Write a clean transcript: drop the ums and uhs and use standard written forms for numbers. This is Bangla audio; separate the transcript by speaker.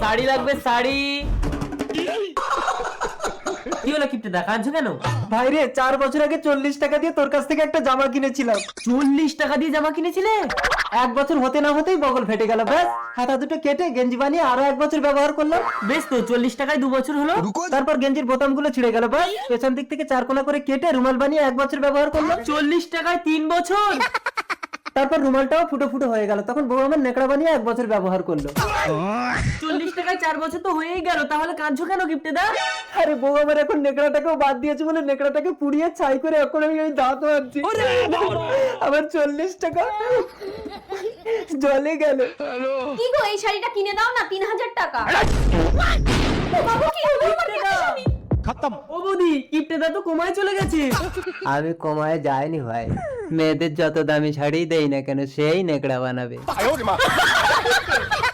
Speaker 1: শাড়ি লাগবে, শাড়ি। কি হলো কিপটেদা, কাঁদছো কেন?
Speaker 2: ভাই রে, 4 বছর আগে 40 টাকা দিয়ে তোর কাছ থেকে একটা জামা কিনেছিলাম।
Speaker 1: 40 টাকা দিয়ে জামা কিনেছিলে?
Speaker 2: 1 বছর হতে না হতেই বগল ফেটে গেল। ব্যাস হাতা দুটো কেটে গেঞ্জি বানিয়ে আরো 1 বছর ব্যবহার করলাম।
Speaker 1: বেশ তো, 40 টাকায় 2 বছর হলো।
Speaker 2: তারপর গেঞ্জির বোতামগুলো ছিঁড়ে গেল। ব্যাস পেছন দিক থেকে 4 কোনা করে কেটে রুমাল বানিয়ে 1 বছর ব্যবহার করলাম।
Speaker 1: 40 টাকায় 3 বছর।
Speaker 2: তারপর রুমালটাও ফুটো ফুটো হয়ে গেল। তখন বউ আমার নেকড়া বানিয়ে 1 বছর ব্যবহার করলো।
Speaker 1: 40 টাকায় 4 বছর তো হয়েই গেল, তাহলে কাঁদছো কেন কিপটেদা?
Speaker 2: আরে বউ আমার এখন নেকড়াটাকেও বাদ দিয়েছে বলে নেকড়াটাকে পুড়িয়ে ছাই করে এখন আমি ওই দাঁত মারছি। আমার 40 টাকা জলে গেল।
Speaker 3: কি গো, এই শাড়িটা কিনে দাও না, 3000 টাকা। বাবু কি হলো? আমার কেন শুনি?
Speaker 1: ও বৌদি, কিপটেদা তো কোমায় চলে গেছে।
Speaker 2: আমি কমায় যাইনি ভাই, মেয়েদের যত দামি শাড়ি দেই না কেন সেই নেকড়া বানাবে।